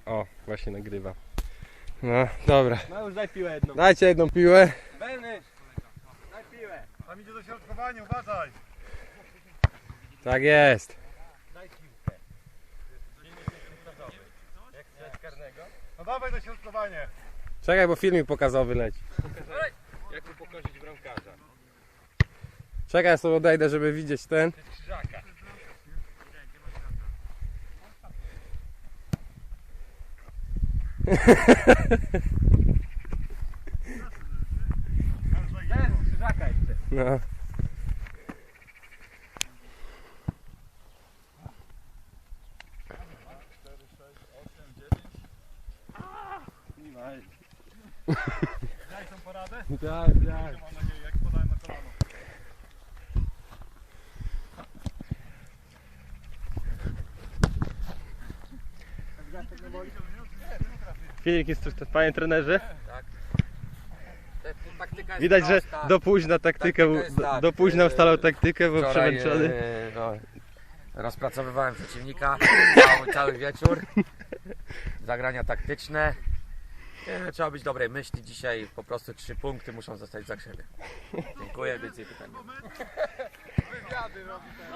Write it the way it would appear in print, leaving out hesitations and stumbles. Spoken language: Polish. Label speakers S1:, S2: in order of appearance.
S1: O, właśnie nagrywa. No, dobra.
S2: No już daj piłę jedną.
S1: Dajcie jedną piłę.
S2: Benysz, daj piłę.
S3: Tam idzie dośrodkowanie, uważaj!
S1: Tak jest.
S2: Daj piłkę. Jak chcesz karnego?
S3: No dawaj dośrodkowanie!
S1: Czekaj, bo filmik pokazowy leci.
S2: Jak mu pokorzyć bramkarza?
S1: Czekaj, ja sobie odejdę, żeby widzieć ten.
S2: Krzyżaka. Ten krzyżaka jeszcze.
S1: No.
S3: Daj tą poradę?
S1: Tak, tak.
S3: Mam nadzieję, jak podałem na kolano.
S1: Filmik jest tu, panie trenerze.
S4: Taktyka jest
S1: Widać, że
S4: prosta.
S1: do późna taktykę,
S4: Taktyka jest tak,
S1: do późna ustalał taktykę, bo
S4: Wczoraj,
S1: przemęczony.
S4: rozpracowywałem przeciwnika cały wieczór. Zagrania taktyczne. Trzeba być dobrej myśli. Dzisiaj po prostu 3 punkty muszą zostać za siebie. Dziękuję, więcej pytań.